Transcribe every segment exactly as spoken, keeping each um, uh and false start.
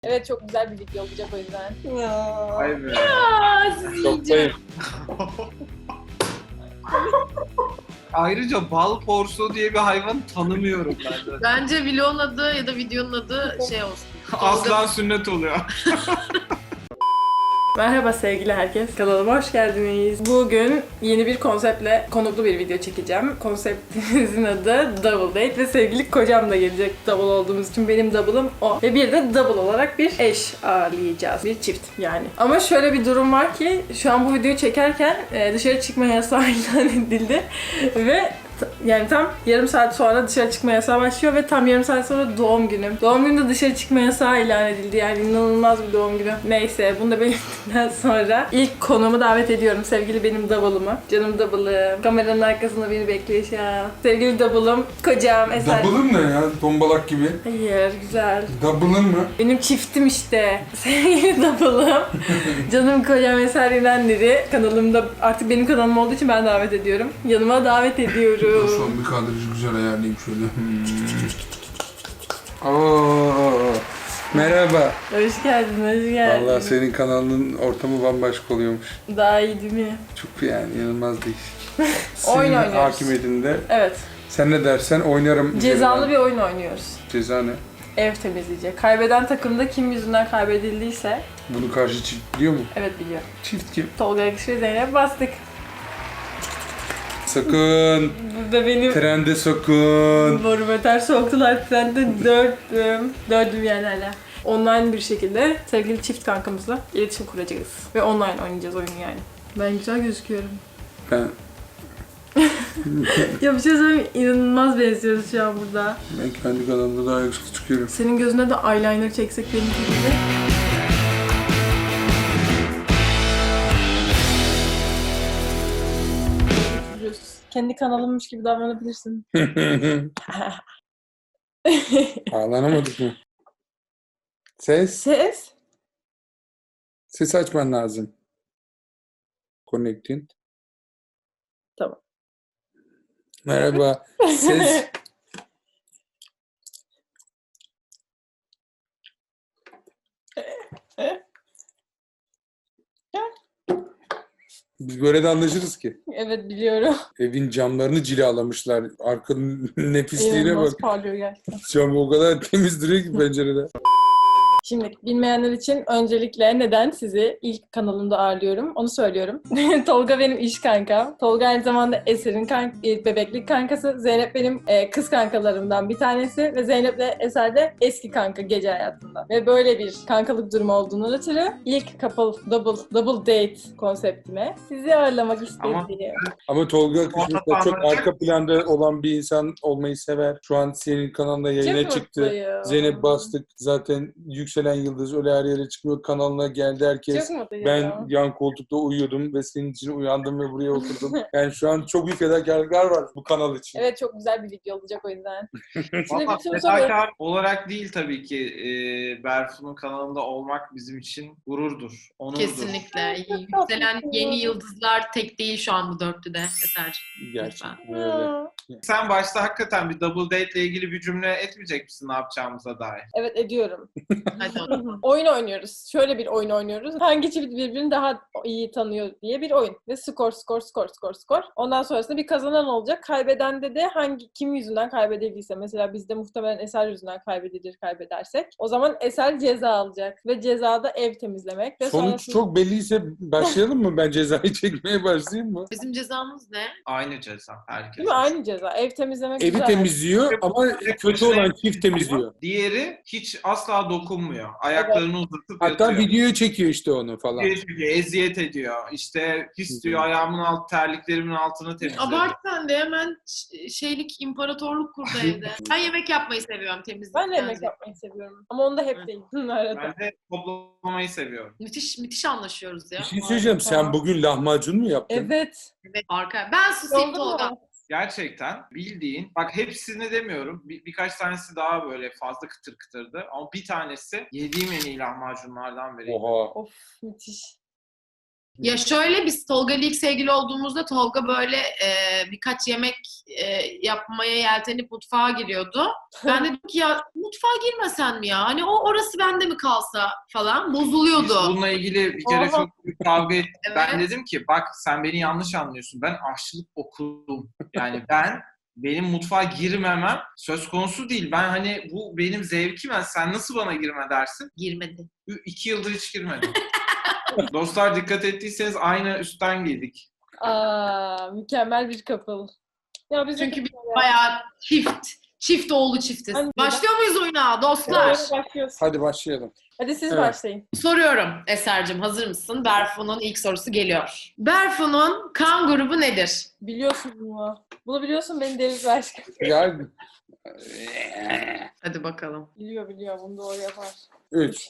Evet, çok güzel bir video olacak o yüzden. Ya. Vay be. Aa, sizi yiyeceğim. Ayrıca bal porsu diye bir hayvan tanımıyorum ben de. Bence vlogun adı ya da videonun adı şey olsun. Aslan sünnet oluyor. Merhaba sevgili herkes, kanalıma hoş geldiniz. Bugün yeni bir konseptle konuklu bir video çekeceğim. Konseptimizin adı Double Date ve sevgili kocam da gelecek double olduğumuz için. Benim double'ım o. Ve bir de double olarak bir eş ağırlayacağız. Bir çift yani. Ama şöyle bir durum var ki şu an bu videoyu çekerken dışarı çıkma yasağı ilan edildi. Ve yani tam yarım saat sonra dışarı çıkma yasağı başlıyor ve tam yarım saat sonra doğum günüm. Doğum günü de dışarı çıkma yasağı ilan edildi. Yani inanılmaz bir doğum günü. Neyse, bunu da belirttikten sonra ilk konuğumu davet ediyorum. Sevgili benim double'ımı. Canım double'ım. Kameranın arkasında beni bekliyor şu an. Sevgili double'ım. Kocam Eser. Double'ın ne ya? Tombalak gibi. Hayır, güzel. Double'ın mı? Benim çiftim işte. Sevgili double'ım. Canım kocam Eser İnanleri. Kanalımda artık benim kanalım olduğu için ben davet ediyorum. Yanıma davet ediyorum. Şu an bir kadrajı güzel ayarlayayım şöyle. Hmm. Oo, merhaba. Hoş geldin, hoş geldin. Vallahi senin kanalının ortamı bambaşka oluyormuş. Daha iyi değil mi? Çok yani inanılmaz değişik. Oyun Senin oynuyoruz. hakimiyetinde. Evet. Sen ne dersen oynarım. Cezalı bir oyun oynuyoruz. Ceza ne? Ev temizleyecek. Kaybeden takımda kim yüzünden kaybedildiyse, Bunu karşı çift biliyor mu? evet biliyor. Çift kim? Tolga Yakış ve Zeynep bastık. Sakın. Burada benim Trende sakın. borumu ters soktular. Ben de dördüm. Dördüm yani hala. Online bir şekilde sevgili çift kankamızla iletişim kuracağız. Ve online oynayacağız oyunu yani. Ben güzel gözüküyorum. Ben, Ya bir şey söyleyeyim, inanılmaz benziyoruz şu an burada. ben kendi kanalımda daha yakışıklı çıkıyorum. Senin gözüne de eyeliner çeksek benimki gibi. Kendi kanalımmış gibi davranabilirsin. Ağlanamadık mı? Ses. Ses. Ses açman lazım. Connecting. Tamam. Merhaba. Ses. Biz böyle de anlaşırız ki. Evet, biliyorum. Evin camlarını cilalamışlar. Arkanın nefisliğine İnanılmaz bak. parlıyor gerçekten. Cam o kadar temiz duruyor ki pencerede. Şimdi bilmeyenler için öncelikle neden sizi ilk kanalımda ağırlıyorum onu söylüyorum. Tolga benim iş kankam. Tolga aynı zamanda Eser'in kank e, bebeklik kankası. Zeynep benim e, kız kankalarımdan bir tanesi ve Zeynep'le Eser de eski kanka gece hayatında. Ve böyle bir kankalık durumu olduğunu ötürü ilk couple, double, double date konseptime sizi ağırlamak istedim. Ama- Ama Tolga kısmında çok arka planda olan bir insan olmayı sever. Şu an senin kanalında yayına Çok çıktı. mutluyum. Zeynep bastık. Zaten yükselen yıldız öyle her yere çıkıyor. Kanalına geldi herkes. Çok mutluyum. Ben yan koltukta uyuyordum ve senin için uyandım ve buraya oturdum. Yani şu an çok büyük fedakarlıklar var bu kanal için. Evet, çok güzel bir video olacak o yüzden. Şimdi Valla bütün soru... fedakar olarak değil tabii ki e, Berfu'nun kanalında olmak bizim için gururdur, onurdur. Kesinlikle. Yükselen yeni yıldızlar tek değil şu an bu dörtlüde Eser'cim. Gerçekten öyle. Sen başta hakikaten bir double date ile ilgili bir cümle etmeyecek misin ne yapacağımıza dair? Evet, ediyorum. Hadi onu. Oyun oynuyoruz. Şöyle bir oyun oynuyoruz. Hangi çift birbirini daha iyi tanıyor diye bir oyun. Ve skor, skor, skor, skor, skor. Ondan sonrasında bir kazanan olacak. Kaybedende de hangi kim yüzünden kaybedildiyse. Mesela bizde muhtemelen Eser yüzünden kaybedilir kaybedersek. O zaman Eser ceza alacak. Ve cezada ev temizlemek. Ve Sonuç sonrasında... çok belliyse başlayalım mı? Ben cezayı çekmeye başlayayım mı? Bizim cezamız ne? Aynı ceza herkes. Değil mi? Aynı ceza. Ev temizlemek Evi güzel. temizliyor ama kötü olan çift temizliyor. Diğeri hiç asla dokunmuyor. Ayaklarını uzatıp Hatta yatıyor. videoya çekiyor işte onu falan. Çekiyor, eziyet ediyor. İşte pis diyor, ayağımın alt terliklerimin altını temizliyor. Abart sen de hemen ş- şeylik imparatorluk kurdu evde. Ben yemek yapmayı seviyorum temizlik. Ben de yemek yapmayı seviyorum. Ama onda hep değil. Arada. Ben de toplamayı seviyorum. Müthiş müthiş anlaşıyoruz ya. Bir şey söyleyeceğim. Sen Tamam. bugün lahmacun mu yaptın? Evet. Evet, arka. Ben susayım Oldu mu? Tolga. Gerçekten bildiğin, bak hepsini demiyorum, bir, birkaç tanesi daha böyle fazla kıtır kıtırdı. Ama bir tanesi yediğim en iyi lahmacunlardan biri. Oha. Of, müthiş. Ya şöyle, biz Tolga ile ilk sevgili olduğumuzda Tolga böyle e, birkaç yemek e, yapmaya yeltenip mutfağa giriyordu. Ben dedim ki ya mutfağa girmesen mi ya? Hani o orası bende mi kalsa falan, Biz bozuluyordu. bununla ilgili bir kere Oha. çok büyük kavga ettik. Evet. Ben dedim ki bak sen beni yanlış anlıyorsun. Ben aşçılık okudum. Yani ben benim mutfağa girmemem söz konusu değil. Ben hani bu benim zevkim. Yani sen nasıl bana girme dersin? Girmedi. Ü- İki yıldır hiç girmedim. Dostlar dikkat ettiyseniz aynı üstten giydik. Aa, mükemmel bir couple. Ya biz Çünkü biz bayağı çift. Çift oğlu çiftiz. Hadi. Başlıyor muyuz oyuna dostlar? başlıyoruz. Hadi başlayalım. Hadi siz Evet. başlayın. Soruyorum Eser'cim, hazır mısın? Berfu'nun ilk sorusu geliyor. Berfu'nun kan grubu nedir? Biliyorsun bunu. Bunu biliyorsun, beni deniz aşkım. Gel. Hadi bakalım. Biliyor biliyor, bunu doğru yapar. Üç.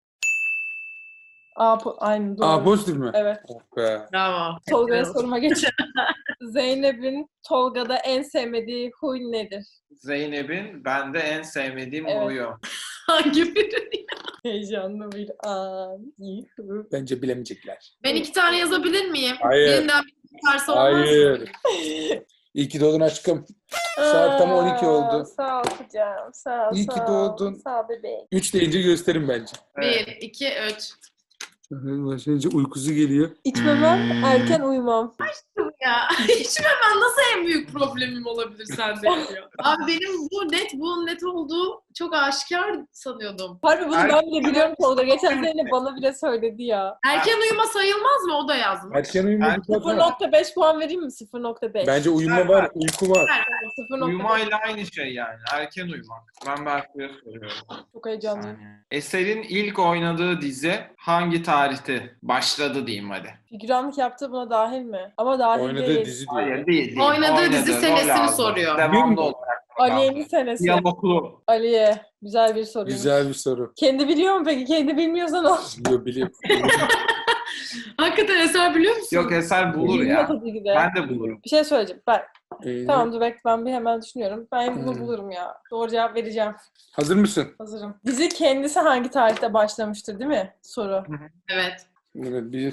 Aa, po- aynı doğru. Aa, pozitif mi? Evet. Oh be. Bravo. Tolga'ya soruma geçelim. Zeynep'in Tolga'da en sevmediği huy nedir? Zeynep'in bende en sevmediğim Evet. huyu. Hangi biri? Heyecanlı bir an. Yuhu. Bence bilemeyecekler. Ben iki tane yazabilir miyim? Hayır. Birinden bir çıkarsa olmaz mı? Hayır. İyi ki doğdun aşkım. Saat tam on iki oldu. Aa, Sağ ol kucağım. Sağ ol. İyi ki sağ ol. doğdun. Sağ ol bebeğim. Üç deyince gösterin bence. Evet. Bir, iki, üç. Başlayınca uykusu geliyor. İçmemem, erken uyumam. Ya içmemem nasıl en büyük problemim olabilir sende ya? Abi benim bu net, bunun net olduğu çok aşikar sanıyordum. Harbi bunu Er- ben bile biliyorum Tolga. Geçen Zeynep bana bile söyledi ya. Erken uyuma sayılmaz mı? O da yazmış. Erken uyumak Ben- sıfır nokta beş puan vereyim mi? sıfır nokta beş. Bence uyuma var, uyku var. sıfır nokta beş. Uyumayla aynı şey yani. Erken uyumak. Ben Berfu'ya soruyorum. Çok heyecanlıyım. Saniye. Eser'in ilk oynadığı dizi hangi tarihte başladı diyeyim hadi. Figüranlık yaptığı buna dahil mi? Ama dahil Oynadığı değil. dizi diyor. Hayır değil değil. Oynadığı dizi rol senesini aldı. soruyor. Devamlı olarak. rol Aliye'nin aldı. senesi. Diyaloglu. Aliye. Güzel bir soru. Güzel bir soru. Kendi biliyor mu peki? Kendi bilmiyorsan ol. Biliyor, biliyor. Hakikaten Eser biliyor musun? Yok Eser bulur Bilmiyor ya. tabii ki de. Ben de bulurum. Bir şey söyleyeceğim. Ben, Ee, tamam dur bekle, ben bir hemen düşünüyorum. Ben bunu Hmm. bulurum ya. Doğru cevap vereceğim. Hazır mısın? Hazırım. Dizi kendisi hangi tarihte başlamıştır değil mi? Soru. Evet. Evet, bir,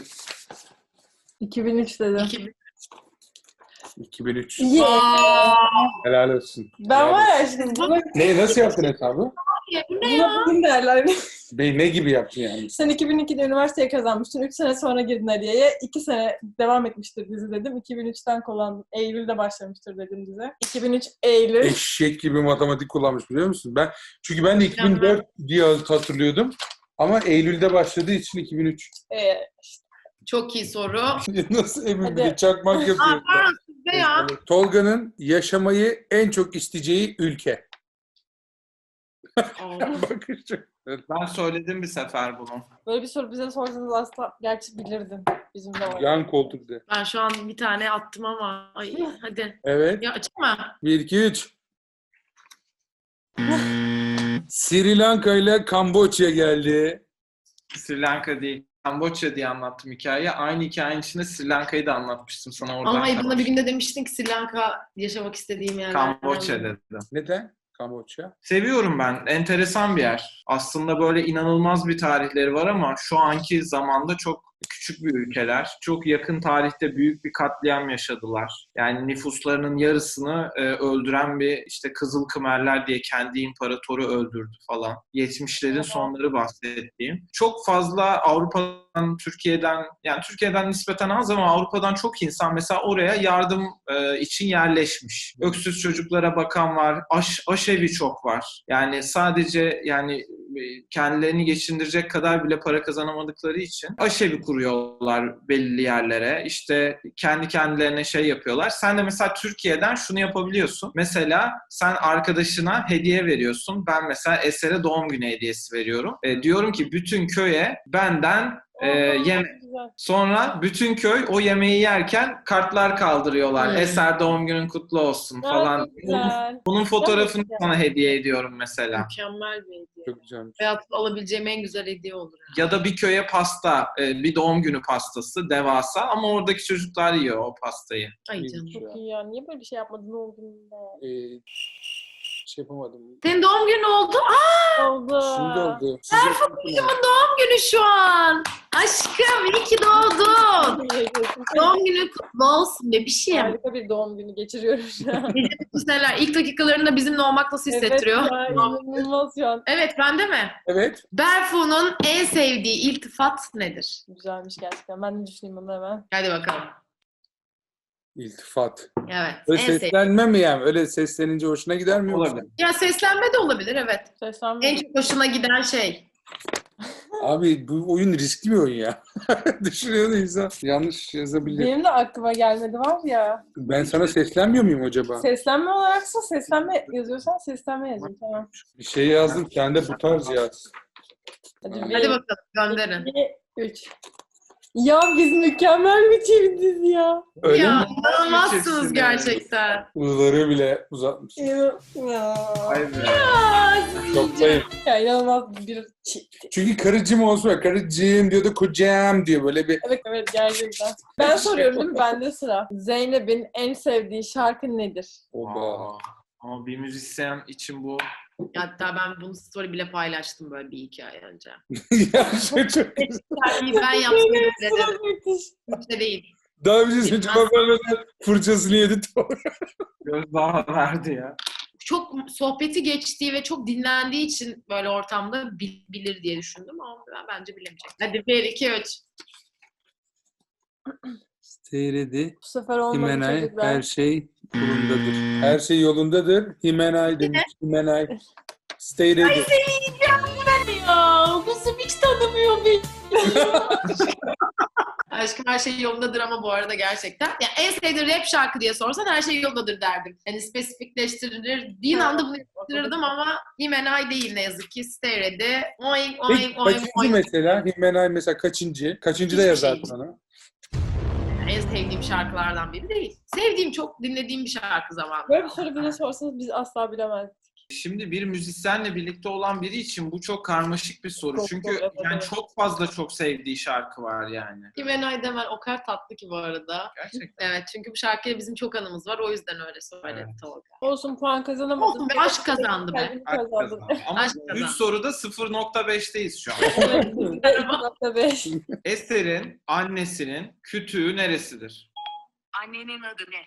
iki bin üç dedim. İki bin. iki bin üç. Yeah. Aa, Helal olsun. Ben Helal var olsun. ya şimdi bunu, Ne, nasıl yaptın hesabı? bu ne ya? buna bugün derler. Bey, ne gibi yaptın yani? Sen iki bin ikide üniversiteye kazanmıştın. üç sene sonra girdin Aliye'ye. iki sene devam etmiştir dizi dedim. iki bin üçten kullandım. Eylül'de başlamıştır dedim dize. iki bin üç Eylül. Eşek gibi matematik kullanmış biliyor musun? Ben çünkü ben de iki bin dört diye hatırlıyordum. Ama Eylül'de başladığı için iki bin üç. Ee, Çok iyi soru. Nasıl emin Hadi. bile çakmak Aa, yapıyor. pardon sizde ya. Tolga'nın yaşamayı en çok isteyeceği ülke. Bakışım. Ben söyledim bir sefer bunu. böyle bir soru bize sorsanız aslında gerçi bilirdin. Bizim de var. Yan koltukta. Ben şu an bir tane attım ama. Ay, hadi. Evet. Ya açma. bir, iki, üç. Sri Lanka ile Kamboçya geldi. Sri Lanka değil. Kamboçya diye anlattım hikayeyi. Aynı hikayenin içinde Sri Lanka'yı da anlatmıştım sana oradan. Ama ay, buna bir günde demiştin ki Sri Lanka yaşamak istediğim yer. Kamboçya dedim. Neden? Kamboçya. Seviyorum ben. Enteresan bir yer. Aslında böyle inanılmaz bir tarihleri var ama şu anki zamanda çok küçük bir ülkeler. Çok yakın tarihte büyük bir katliam yaşadılar. Yani nüfuslarının yarısını e, öldüren bir işte Kızıl Kımerler diye kendi imparatoru öldürdü falan. yetmişlerin sonları bahsettiğim. Çok fazla Avrupa'dan, Türkiye'den, yani Türkiye'den nispeten az ama Avrupa'dan çok insan mesela oraya yardım e, için yerleşmiş. Öksüz çocuklara bakan var. Aş, aşevi çok var. Yani sadece yani e, kendilerini geçindirecek kadar bile para kazanamadıkları için aşevi kuruyorlar belli yerlere. İşte kendi kendilerine şey yapıyorlar. Sen de mesela Türkiye'den şunu yapabiliyorsun. Mesela sen arkadaşına hediye veriyorsun. Ben mesela Eser'e doğum günü hediyesi veriyorum. E, diyorum ki bütün köye benden e, yemek. Güzel. Sonra bütün köy o yemeği yerken kartlar kaldırıyorlar. Hmm. Eser doğum günün kutlu olsun falan. Çok güzel. Bunun fotoğrafını güzel. sana hediye ediyorum mesela. Mükemmel bir hediye. Çok güzelmiş. Hayatımda alabileceğim en güzel hediye olur. Ya da bir köye pasta, e, bir doğum günü pastası devasa ama oradaki çocuklar yiyor o pastayı. Ay canım. Çok iyi ya. Niye böyle bir şey yapmadın oğlum be? Ee, Hiç şey yapamadım. Senin doğum günün oldu. Aa, Oldu. Şimdi oldu. Berfu'nun doğum günü şu an. Aşkım iyi ki doğdun. Doğum günü kutlu olsun bebişim. Harika bir doğum günü geçiriyorum şu an. Güzeller. İlk dakikalarında bizimle olmak nasıl hissettiriyor? Evet ya, inanılmaz şu an. Evet, bende mi? Evet. Berfu'nun en sevdiği iltifat nedir? Güzelmiş gerçekten. Ben de düşüneyim bunu hemen. Hadi bakalım. İltifat. Evet. Öyle en sevdiği. seslenme mi yani? Öyle seslenince hoşuna gider mi? yoksa? Olabilir. Ya seslenme de olabilir, evet. Seslenme. En çok hoşuna giden şey. Abi bu oyun riskli bir oyun ya. Düşünüyor da insan. Yanlış yazabilir. Benim de aklıma gelmedi var ya. Ben sana seslenmiyor muyum acaba? Seslenme olaraksa seslenme yazıyorsan seslenme yazayım. Tamam. Bir şey yazdım. Sen de bu tarz yaz. Hadi, Hadi bir, Hadi bakalım, gönderin. iki, üç. Ya biz mükemmel bir çiftiz ya. Öyle Ya mi? inanılmazsınız Çiftsin gerçekten. Iğları bile uzatmış. Ya. Ya. Vay be. Şoktayım. Ya inanılmaz bir çift. Çünkü karıcığım olsun ya. Karıcığım diyor da kocam diyor. Böyle bir Evet evet gerçekten. Ben soruyorum değil mi? Bende sıra. Zeynep'in en sevdiği şarkı nedir? oba. Aa, ama bir müzisyen için bu Hatta ben bunu story bile paylaştım böyle bir iki ay önce. Ya şey çok güzel. Yani ben yaptım bile dedim. Müthiş. Hiç de değil. Daha bir şey söyleyeyim. Cevap vermeden fırçasını yedi. gözdağı verdi ya. Çok sohbeti geçtiği ve çok dinlendiği için böyle ortamda bil- bilir diye düşündüm ama ben bence bilemeyecek. Hadi bir, iki, üç. Seyredi. Bu sefer olmadı Himenay çocuklar. her şey yolundadır. Her şey yolundadır. Himenay demiş. Himenay. Stay ready. Ya kızım hiç tanımıyor beni. Aşkım her şey yolundadır ama bu arada gerçekten. Ya en sevdiğin rap şarkı diye sorsan her şey yolundadır derdim. Yani spesifikleştirir. anda bunu yaptırırdım ama Himenay değil ne yazık ki. Stay ready. Oing Peki oing oing kaçıncı oing. mesela? Himenay mesela kaçıncı? Kaçıncı da Hiçbir yazar şey. sana? En sevdiğim şarkılardan biri değil. Sevdiğim, çok dinlediğim bir şarkı zamanında. Böyle bir soru bize sorsanız biz asla bilemezdik. Şimdi bir müzisyenle birlikte olan biri için bu çok karmaşık bir soru. Çok Çünkü zor, evet, yani evet. çok fazla çok sevdiği şarkı var yani. Himenay Demen o kadar tatlı ki bu arada. Gerçekten. Evet, çünkü bu şarkıyla bizim çok anımız var. O yüzden öyle söyledi Evet. Tolga. Olsun puan kazanamadın. Olsun be, aşk kazandı be. Kalbini Aşk kazandın. kazandı. Ama Aşk üç kazandı. soruda sıfır nokta beşteyiz şu an. Evet, biz de iki nokta beş. Eser'in annesinin kütüğü neresidir? Annenin adı ne?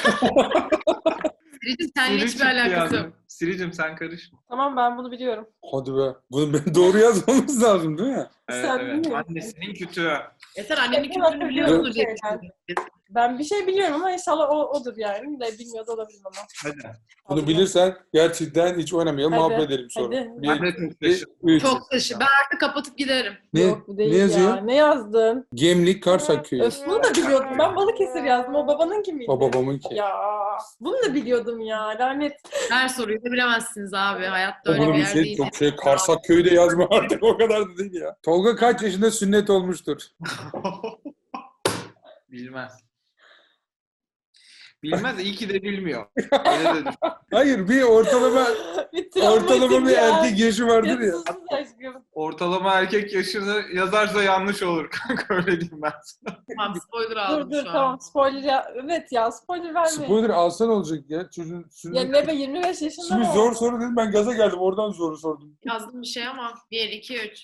Siricim seninle Siri hiçbir çıktı alakası yok. yani. Siricim sen karışma. Tamam ben bunu biliyorum. Hadi be. Bunu ben doğru yazmamız lazım değil mi? Evet, Sen evet. bilmiyor musun? Annesinin kütüğü. Eser annenin Evet, kültürünü biliyordur diye şeyler. düşündüm. Ben bir şey biliyorum ama inşallah o odur yani. De bilmiyor da olabilirim ama. Hadi. Bunu bilirsen gerçekten hiç oynamayalım. Hadi, Muhabbet edelim sonra. hadi. Bir, Ben de çok iki, şaşırdım. üç. Çok dışı. Ben artık kapatıp giderim. Ne, Yok bu değil ne yazıyor? ya. Ne yazdın? Gemlik Karsak Köyü. Öf bunu da biliyordum. Ben Balıkesir yazdım. O babanınki miydi? O babamın ki. Ya bunu da biliyordum ya. Lanet. Her soruyu da bilemezsiniz abi. Hayatta öyle Bunu bir bir yer şey değil. çok şey Karsak Köyü de yazma artık o kadar da değil ya. Tolga kaç yaşında sünnet olmuştur? Bilmez. Bilmez. İyi ki de bilmiyor. Öyle de düşün. Hayır bir ortalama bir travmatik ortalama bir ya. erkek yaşı vardır ya. Sus aşkım. Ortalama erkek yaşını yazarsa yanlış olur kanka, öyle diyeyim ben sana. Tamam, spoiler Dur aldım dur şu an. tamam spoiler ya. Evet ya spoiler verme. Spoiler alsan olacak ya. Çocuğun Ya sünnet. ne be yirmi beş yaşında Şimdi mı? zor soru dedim ben gaza geldim oradan zoru sordum. Yazdım bir şey ama. Bir, iki, üç.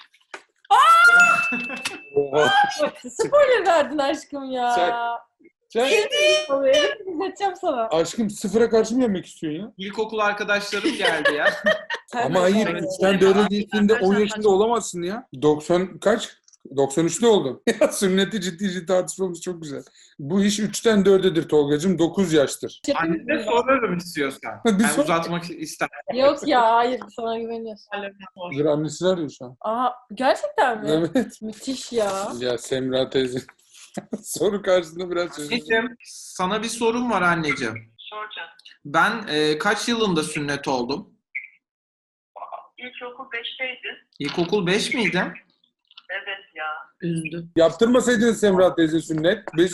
Oha. Spoiler verdin aşkım ya. Sen- Sen Evet, izleteceğim sana. aşkım sıfıra karşı mı yemek istiyorsun ya? İlkokul arkadaşlarım geldi ya. Sen Ama de hayır söyle. sen dörde geçtiğinde on Arkadaşlar, yaşında olamazsın ya. doksan kaç? doksan üçte oldun. Ya sünneti ciddi ciddi tartışmamız çok güzel. Bu iş üçten dördedir Tolgacığım. dokuz yaştır. Annene sorarım istiyorsan. Bir Ben sor. uzatmak ister. Yok ya hayır sana güveniyoruz. Dur annesi arıyor şu an. Aha gerçekten mi? Evet. Müthiş ya. Ya Semra teyze. Soru karşısında biraz çözüm. Anneciğim, sana bir sorum var anneciğim. Soracağım. Ben e, kaç yılında sünnet oldum? İlkokul beşteydi. İlkokul beş miydi? Evet ya. Üzdü. Yaptırmasaydın Semra teyze sünnet. Beş...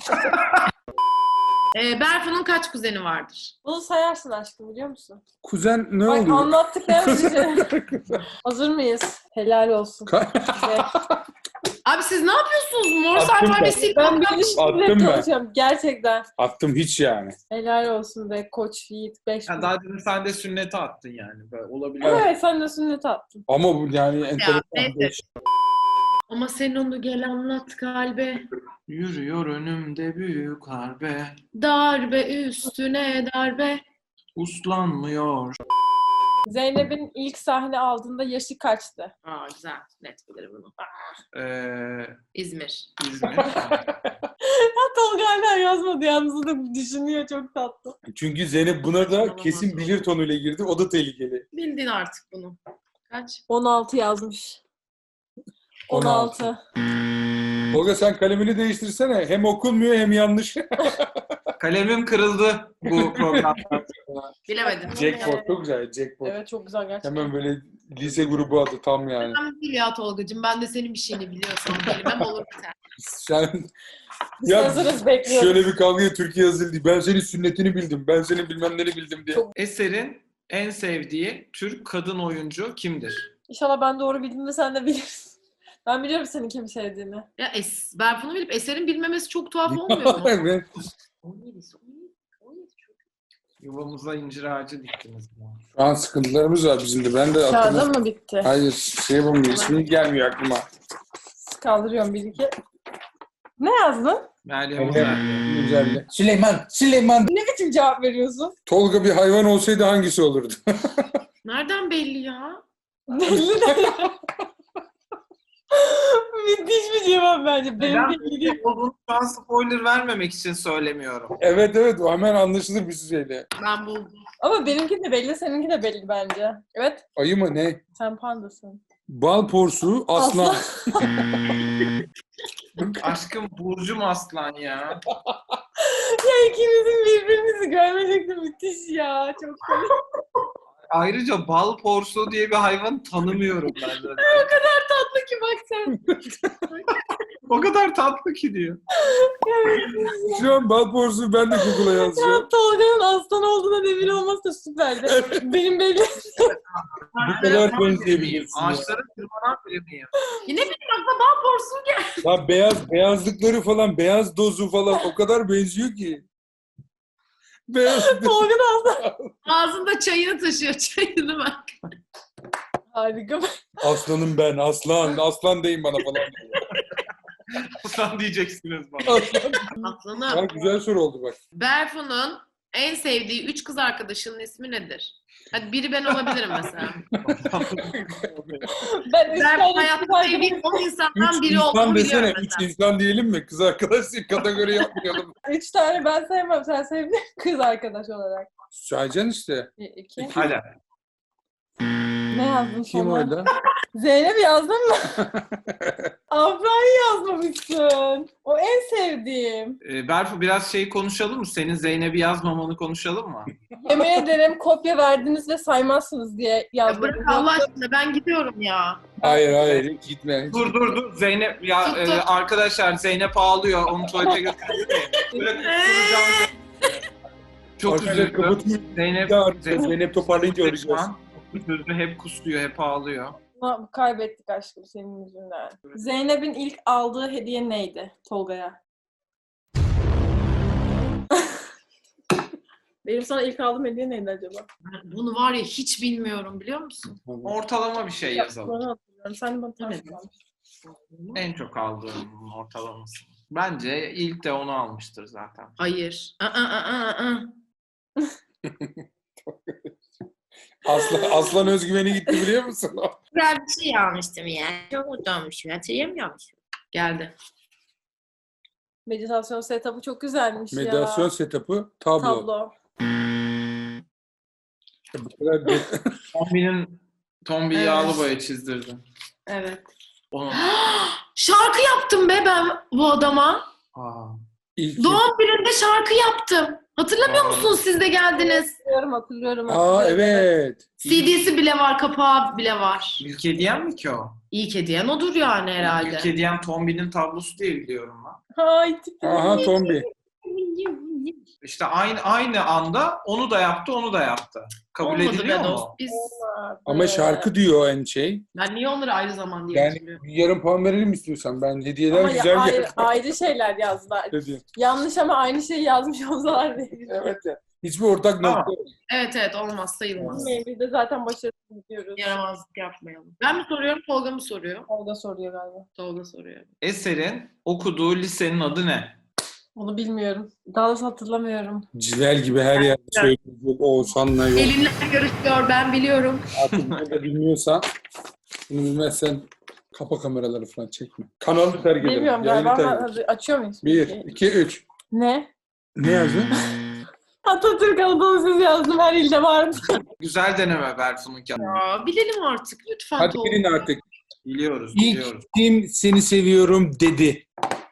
Ee, Berfu'nun kaç kuzeni vardır? Bunu sayarsın aşkım biliyor musun? Kuzen ne Bak oluyor? anlattıklarım size. Hazır mıyız? Helal olsun. Ka- Size. Abi siz ne yapıyorsunuz? Morse Attım ben. alfabesiyle Ben bir Attım ilişkiyle ben. çalışıyorum. Gerçekten. Attım hiç yani. Helal olsun be koç Yiğit. Beş Ya bin. daha demin sen de sünnete attın yani. Böyle olabilir. Evet sen de sünnet attın. Ama bu yani enteresan. neyse. Ama sen onu gel anlat kalbe. Yürüyor önümde büyük harbe. Darbe üstüne darbe. Uslanmıyor. Zeynep'in ilk sahne aldığında yaşı kaçtı? Aa güzel. Net bilirim bunu. Ee, İzmir. İzmir. Ya Tolga hala yazmadı yalnız o da düşünüyor çok tatlı. Çünkü Zeynep buna da kesin bilir tonuyla girdi. O da tehlikeli. Bildin artık bunu. Kaç? on altı yazmış. on altı. Tolga sen kalemini değiştirsene. Hem okunmuyor hem yanlış. Kalemim kırıldı bu programda. Bilemedim. Jackpot çok güzel. Jackpot. Evet çok güzel gerçekten. Hemen böyle lise grubu adı tam yani. Ben değil ya Tolgacığım. Ben de senin bir şeyini biliyorsam kelimem olur biter. Sen Biz ya hazırız bekliyoruz. şöyle bir kavgaya Türkiye yazıldı. Ben senin sünnetini bildim. Ben senin bilmem neni bildim diye. Çok- Eser'in en sevdiği Türk kadın oyuncu kimdir? İnşallah ben doğru bildim de sen de bilirsin. Ben biliyorum senin kimi sevdiğini. Ya es, Berfun'u bilip Eser'in bilmemesi çok tuhaf olmuyor mu? Evet. on yedisi, on yedi, on yedi çok. Yuvamıza incir ağacı diktiniz. Şu an sıkıntılarımız var bizim de. Ben de aklıma... Kağıdın mı bitti? Hayır şey yapamıyorum. İsmi gelmiyor aklıma. Kaldırıyorum bir iki. Ne yazdın? Meryem Uzerli. Güzel. Süleyman. Süleyman. Ne biçim cevap veriyorsun? Tolga bir hayvan olsaydı hangisi olurdu? Nereden belli ya? Belli de. Müthiş bir cevap bence. Benim Ben belli değil. olduğunu şu an spoiler vermemek için söylemiyorum. Evet evet o hemen anlaşılır bir şeyle. Ben buldum. Ama benimki de belli, seninki de belli bence. Evet, Ayı mı ne? sen pandasın. Bal porsuğu aslan. Aşkım Burcum Aslan ya. Ya ikinizin birbirinizi görme şekli müthiş ya. Çok komik. Ayrıca bal porsuğu diye bir hayvan tanımıyorum ben de. O kadar tatlı ki bak sen. O kadar tatlı ki diyor. Şu an bal porsuğu ben de Google'a yazacağım. Ya Tolga'nın aslan olduğuna emin olması da süperdi. Benim belli. Bu kadar benzeyebilirsin ya. Ağaçlara tırmanan biri miyim? Yine benim aklıma bal porsuğu geldi. Ya beyaz, beyazlıkları falan, beyaz dozu falan o kadar benziyor ki. Beyaz Tolga da aslan. Ağzında çayını taşıyor. Çayını bak. Harika. Aslanım ben, aslan, aslan deyin bana falan. Aslan diyeceksiniz bana. Aslan. Aslanım. Ya, güzel soru oldu bak. Berfun'un en sevdiği üç kız arkadaşının ismi nedir? Hadi biri ben olabilirim mesela. Ben üç Ben tane hayatta kız sevdiğim arkadaşım- on insandan Üç biri insan olduğunu desene, biliyorum üç mesela. insan diyelim mi? Kız arkadaş kategori yapmayalım. Üç tane ben sevmem. Sen sevdin kız arkadaş olarak. Saycan işte. Bir, iki. Hadi. Ne yazdın Kim sonra? orada? Zeynep yazdın mı? Afra'yı yazmamışsın. O en sevdiğim. Ee, Berfu biraz şey konuşalım mı? Senin Zeynep'i yazmamanı konuşalım mı? Yemin ederim kopya verdiniz ve saymazsınız diye Ya yazdım. bırak Allah aşkına ben gidiyorum ya. Hayır hayır hiç gitme. Dur dur dur. Zeynep ya Tut, e, tut. arkadaşlar Zeynep ağlıyor. Onu tuvalete götürdü mü? Böyle kusturacağım. Çok Arkadaşlar üzüldüm. kapatın. Zeynep, Bir daha arayacağız. Zeynep toparlayınca şu arayacağız. an üzüldü. Hep kusuyor, hep ağlıyor. Ama kaybettik aşkım senin yüzünden. Zeynep'in ilk aldığı hediye neydi Tolga'ya? Benim sana ilk aldığım hediye neydi acaba? Bunu var ya hiç bilmiyorum biliyor musun? Ortalama bir şey yazalım. Onu hatırlıyorum. Sen de bana ters Evet. kalmıştın. En çok aldığım ortalaması. Bence ilk de onu almıştır zaten. Hayır. Aa, aa, aa, aa. Aslan, aslan özgüveni gitti biliyor musun? Güzel bir şey almıştım ya. Çok mutlu olmuşum. Hatırlayamıyormuşum. Geldi. Meditasyon setup'ı çok güzelmiş Meditasyon ya. setup'ı tablo. Tablo. Bu kadar de- Tombi'nin Tombi Evet. yağlı boya çizdirdim. Evet. Onu. Şarkı yaptım be ben bu adama. Aa. İlk Doğum gününde şarkı yaptım. Hatırlamıyor Aa. musunuz siz de geldiniz? Hatırlıyorum, hatırlıyorum. Aa hatırlıyorum. evet. C D'si bile var, kapağı bile var. İlk hediyen mi ki o? İlk hediyen odur yani herhalde. İlk hediyen Tombi'nin tablosu diye biliyorum ben. Ay tipi. Aha Tombi. İşte aynı aynı anda onu da yaptı, onu da yaptı. Kabul Olmadı be ediliyor dost. mu? Biz, Ama şarkı diyor en şey. ben niye onları ayrı zaman diye Yani hatırlıyorum. bir yarım puan verelim istiyorsan. Ben hediyeler Ama ya, güzel ayrı, geldi. ayrı şeyler yazdılar. Hediye. Yanlış ama aynı şeyi yazmış olsalar değil. Evet ya. Hiçbir ortak Tamam. nokta yok. Evet evet olmaz sayılmaz. Biz de zaten başarısız gidiyoruz. Yaramazlık yapmayalım. Ben mi soruyorum, Tolga mı soruyor? Olga soruyor galiba. Tolga soruyor. Eser'in okuduğu lisenin adı ne? Onu bilmiyorum. Daha doğrusu hatırlamıyorum. Civel gibi her yerde söyleyecek Oğuzhan'la yok. Elinle görüşüyor, ben biliyorum. Artık bunu da bilmiyorsan, bunu bilmezsen kapa kameraları falan çekme. Kanalı terk edelim. Bilmiyorum Yayını galiba. terk Ben, edelim. hadi açıyor muyuz? Bir, iki, üç. Ne? Ne yazdın? Atatürk Anadolu Sesi yazdım. Her ilde vardı. Güzel deneme Berfun'unki. Ya, bilelim artık lütfen Hadi Tolga. bilin artık. Biliyoruz, İlk biliyoruz. kim seni seviyorum dedi.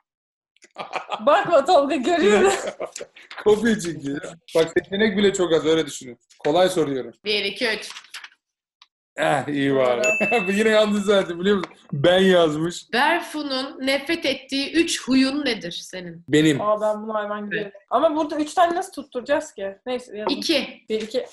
Bakma Tolga görüyorum. Kopya çekiyor. Bak seçenek bile çok az öyle düşünün. Kolay soruyorum. Bir, iki, üç. Eh iyi var. Yine yanlış zaten biliyor musun? Ben yazmış. Berfu'nun nefret ettiği üç huyun nedir senin? Benim. Aa ben bunu hayvan gibi. yerim. Ama burada üç tane nasıl tutturacağız ki? Neyse yazın. İki. Bir, iki.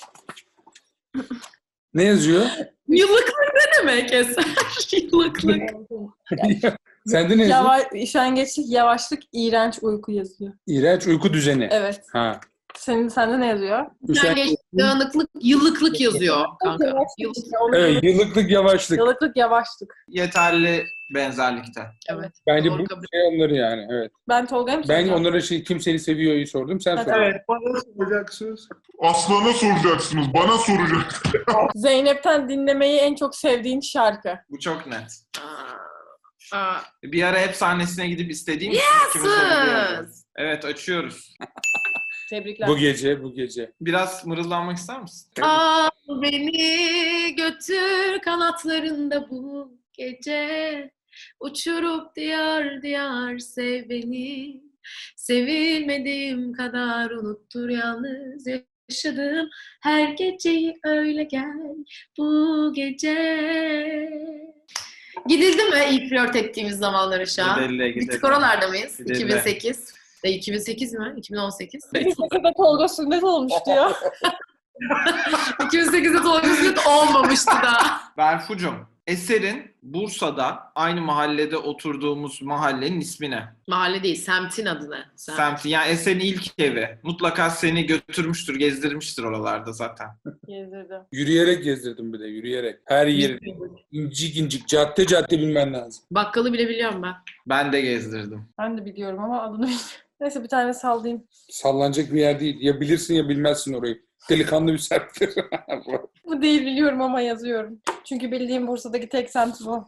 Ne yazıyor? Yıllıklık ne demek Eser? Yıllıklık. Sende ne yazıyor? Yavaş, üşengeçlik, yavaşlık, iğrenç uyku yazıyor. İğrenç uyku düzeni. Evet. Ha. Senin sende ne yazıyor? Üşengeç, dağınıklık, yıllıklık yazıyor kanka. Yavaşlık Yıllık. işte, onu- Evet, yıllıklık yavaşlık. Yıllıklık, yavaşlık. Yeterli benzerlikte. Evet. Bence Doğru bu kabul. şey onları yani. Evet. Ben Tolga'ya mı Ben soracağım? onlara şey kim seni seviyor'yu sordum. Sen Ha, sor. tamam. Bana soracaksınız. Aslan'a soracaksınız, bana soracaksınız. Zeynep'ten dinlemeyi en çok sevdiğin şarkı. Bu çok net. Aa, aa. Bir ara hep sahnesine gidip istediğim için ikimiz de biliyoruz. Sız. Evet, açıyoruz. Tebrikler. Bu gece, bu gece. Biraz mırıldanmak ister misin? Al beni götür kanatlarında bu gece. Uçurup diyar diyar sev beni. Sevilmediğim kadar unuttur yalnız yaşadığım her geceyi öyle gel bu gece. Gidildi mi ilk flört ettiğimiz zamanlar aşağı? Gidelim, Bir gidelim. tık oralarda mıyız? Gidelim. iki bin sekiz. E, iki bin sekiz mi? iki bin on sekiz. Bir seferde Tolga sünnet olmuştu ya. iki bin sekizde Tolga Sünnet olmamıştı daha. Berfucum, Eser'in Bursa'da aynı mahallede oturduğumuz mahallenin ismi ne? Mahalle değil, semtin adı ne? Semt. Semti. Yani Eser'in ilk evi. Mutlaka seni götürmüştür, gezdirmiştir oralarda zaten. Gezdirdi. Yürüyerek gezdirdim bir de, yürüyerek. Her yeri. İncik incik, cadde cadde bilmen lazım. Bakkalı bile biliyorum ben. Ben de gezdirdim. Ben de biliyorum ama adını bilmiyorum. Neyse bir tane sallayayım. Sallanacak bir yer değil. Ya bilirsin ya bilmezsin orayı. Delikanlı bir serttir. Bu değil biliyorum ama yazıyorum. Çünkü bildiğim Bursa'daki tek semt bu.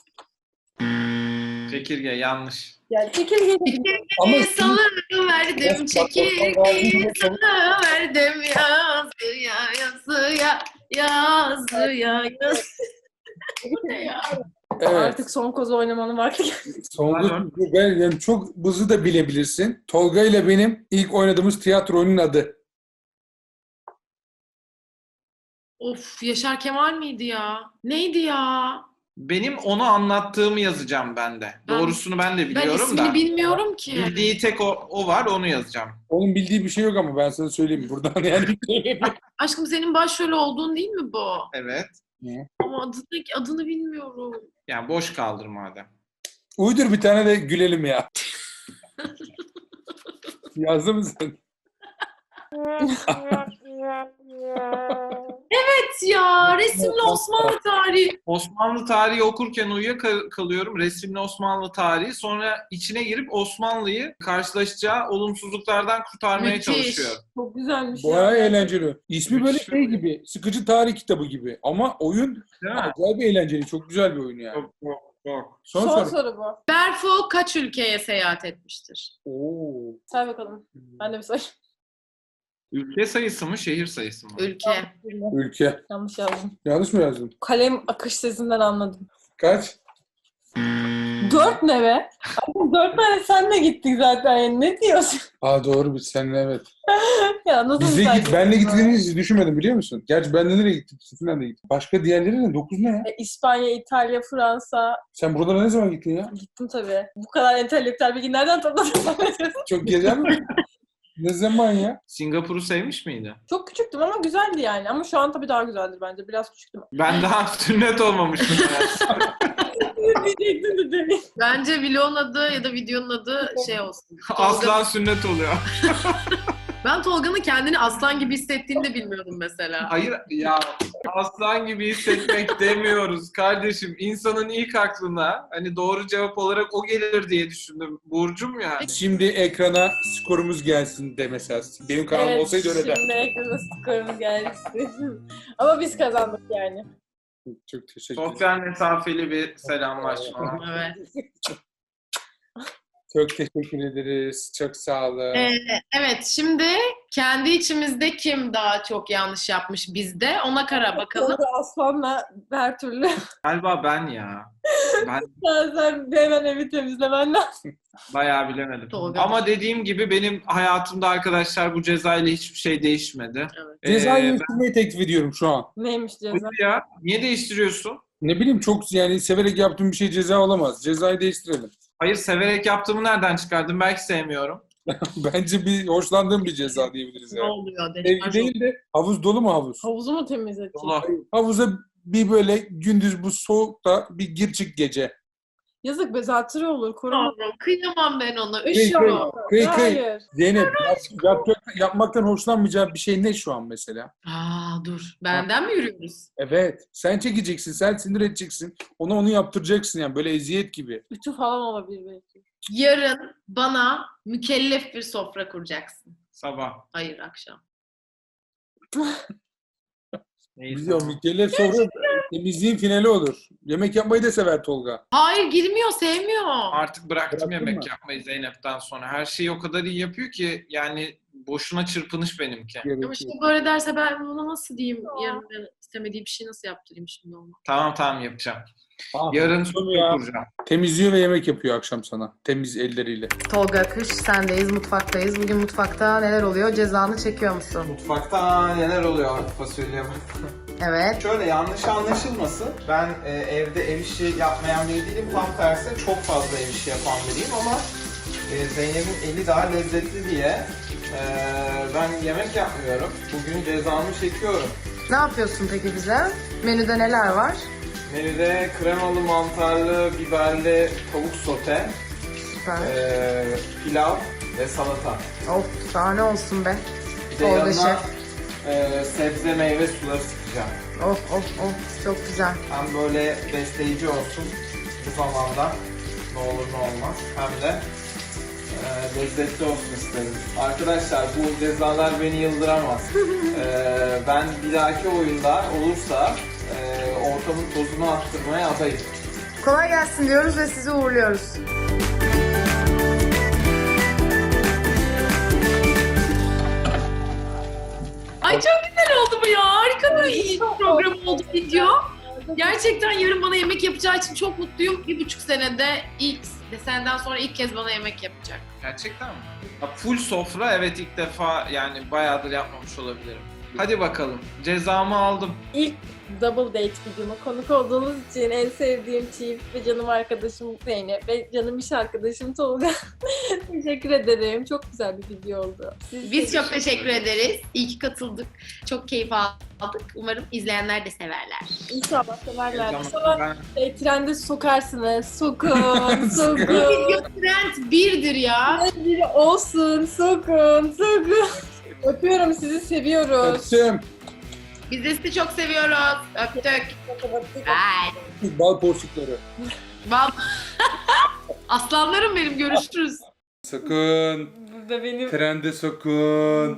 Çekirge yanlış. Yani çekirge. Ama Çekirgeyi salıverdim, çekirgeyi salıverdim, yazıya yazıya, yazıya yazıya. Bu ne ya? evet. Artık son kozu oynamanın vakti geldi. Son ben yani çok hızlı da bilebilirsin. Tolga ile benim ilk oynadığımız tiyatronun adı. Of, Yaşar Kemal miydi ya? Neydi ya? Benim onu anlattığımı yazacağım ben de. Ben- Doğrusunu ben de Ben biliyorum ismini da. bilmiyorum ki. Bildiği tek o, o var, onu yazacağım. Onun bildiği bir şey yok ama ben sana söyleyeyim buradan yani. Aşkım senin başrol olduğun değil mi bu? Evet. Ama adını, adını bilmiyorum. Yani boş kaldır madem. Uydur bir tane de gülelim ya. Yazdın mı sen? Evet ya, resimli Osmanlı tarihi. Osmanlı tarihi okurken uyuyakalıyorum. Resimli Osmanlı tarihi. Sonra içine girip Osmanlı'yı karşılaşacağı olumsuzluklardan kurtarmaya Müthiş. çalışıyor. Çok güzelmiş. Bayağı ya. eğlenceli. İsmi böyle şey gibi. Sıkıcı tarih kitabı gibi. Ama oyun Değil mi? acayip eğlenceli. Çok güzel bir oyun yani. Çok çok çok. Son, Son soru. soru bu. Berfu kaç ülkeye seyahat etmiştir? Oo. Say bakalım. Ben de bir sayayım. Ülke sayısı mı, şehir sayısı mı? Ülke. Ülke. Yanlış yazdım. Yanlış mı yazdım? Kalem akış sesinden anladım. Kaç? Dört ne be? Abi dört tane senle gittik zaten. Yani ne diyorsun? Aa doğru biz seninle evet. Ya nasıl Bizle bir git, benle gittiğini hiç düşünmedim biliyor musun? Gerçi ben de nereye gittim? Sizinle de gittim. Başka diğerleri ne? Dokuz ne ya? E, İspanya, İtalya, Fransa. Sen buralara ne zaman gittin ya? Gittim tabii. Bu kadar entelektüel bilgi nereden topladın? Çok gezen mi? Ne zaman ya? Singapur'u sevmiş miydi? Çok küçüktüm ama güzeldi yani. Ama şu an tabii daha güzeldir bence. Biraz küçüktüm. Ben daha sünnet olmamıştım. Diyecektim de demin. Bence vlogun adı ya da videonun adı şey olsun. Aslan sünnet oluyor. Ben Tolga'nın kendini aslan gibi hissettiğini de bilmiyordum mesela. Hayır ya, aslan gibi hissetmek demiyoruz kardeşim. İnsanın ilk aklına hani doğru cevap olarak o gelir diye düşündüm. Burcum ya. Şimdi ekrana skorumuz gelsin de mesela. Benim kanalım olsaydı öyle der. Şimdi ekrana skorumuz geldi. Ama biz kazandık yani. Çok teşekkür ederim. Sosyal mesafeli bir selamlaşma. Evet. Çok teşekkür ederiz. Çok sağ olun. Ee, evet, şimdi kendi içimizde kim daha çok yanlış yapmış bizde ona kara bakalım. Tolga Aslan'la her türlü. Galiba ben ya. Ben Sen, sen hemen evi temizlemen lazım. bayağı bilemedim. Tolga. Ama dediğim gibi benim hayatımda arkadaşlar bu cezayla hiçbir şey değişmedi. Evet. Cezayı Ee, değiştirmeyi teklif ediyorum şu an. Neymiş ceza? Hadi ya. Niye değiştiriyorsun? Ne bileyim çok yani severek yaptığım bir şey ceza olamaz. Cezayı değiştirelim. Hayır, severek yaptığımı nereden çıkardın? Belki sevmiyorum. Bence bir hoşlandığım bir ceza diyebiliriz Ne yani. oluyor? Evli Deşarj değil de havuz dolu mu havuz? Havuzu mu temizledin? Allah. Havuza bir böyle gündüz bu soğukta bir gir çık gece. Yazık be, zatürre olur. Koruma. Yavrum, kıyamam ben ona. Kıy Üşüyor. kıy, kıy kıy. Hayır. Zeynep yap- yapacak- yapmaktan hoşlanmayacağı bir şey ne şu an mesela? Aa dur. Benden mi yürüyoruz? Evet. Sen çekeceksin, sen sinir edeceksin. Ona onu yaptıracaksın yani böyle eziyet gibi. Ütü falan olabilir belki. Yarın bana mükellef bir sofra kuracaksın. Sabah. Hayır, akşam. Neyse. Biliyorum mükellef sonra temizliğin finali olur. Yemek yapmayı da sever Tolga. Hayır, girmiyor, sevmiyor. Artık bıraktım Bıraktın yemek mı? yapmayı Zeynep'ten sonra. Her şeyi o kadar iyi yapıyor ki yani boşuna çırpınış benimki. Ama Gerekiyor. şimdi böyle derse ben ona nasıl diyeyim? Yarın ben istemediği bir şey nasıl yaptırayım şimdi ona? Tamam tamam yapacağım. Ah, Yarın ya. sofra kuracağım. Temizliyor ve yemek yapıyor akşam sana. Temiz elleriyle. Tolga Akış, sendeyiz, mutfaktayız. Bugün mutfakta neler oluyor? Cezanı çekiyor musun? Mutfakta neler oluyor fasulye? Evet. Şöyle yanlış anlaşılmasın. Ben e, evde ev işi yapmayan biri değilim. Tam tersine çok fazla ev işi yapan biriyim ama e, Zeynep'in eli daha lezzetli diye e, ben yemek yapmıyorum. Bugün cezamı çekiyorum. Ne yapıyorsun peki bize? Menüde neler var? Menüde kremalı, mantarlı, biberli tavuk sote, Süper. e, pilav ve salata. Of, şahane olsun be. Bir de Tolga yanına şef. e, sebze meyve suları sıkacağım. Of of of, çok güzel. Hem böyle besleyici olsun bu zamanda, ne olur ne olmaz, hem de e, lezzetli olsun isterim. Arkadaşlar bu cezalar beni yıldıramaz. E, ben bir dahaki oyunda olursa e, ortamın tozunu attırmaya adayım. Kolay gelsin diyoruz ve sizi uğurluyoruz. Ay çok güzel oldu bu ya. Harika bir iyi program oldu video. Gerçekten yarın bana yemek yapacağı için çok mutluyum. Bir buçuk senede ilk, senden sonra ilk kez bana yemek yapacak. Gerçekten mi? Ya full sofra, evet, ilk defa yani bayağıdır yapmamış olabilirim. Hadi bakalım, cezamı aldım. İlk double date videoma konuk olduğunuz için en sevdiğim çift ve canım arkadaşım Zeynep ve canım iş arkadaşım Tolga. Teşekkür ederim. Çok güzel bir video oldu. Siz Biz çok teşekkür ederiz. İyi ki katıldık. Çok keyif aldık. Umarım izleyenler de severler. İnşallah severler. Tamam, İnşallah ben- e, trende sokarsınız. Sokun, Bu sokun. video trend birdir ya. Biri olsun, sokun, sokun. Öpüyorum sizi, seviyoruz. Öptüm. Biz de sizi çok seviyoruz. Öptük. Bye. Bal porçukları. Bal. Aslanlarım benim. Görüşürüz. Sakın. Burada benim Trende sakın.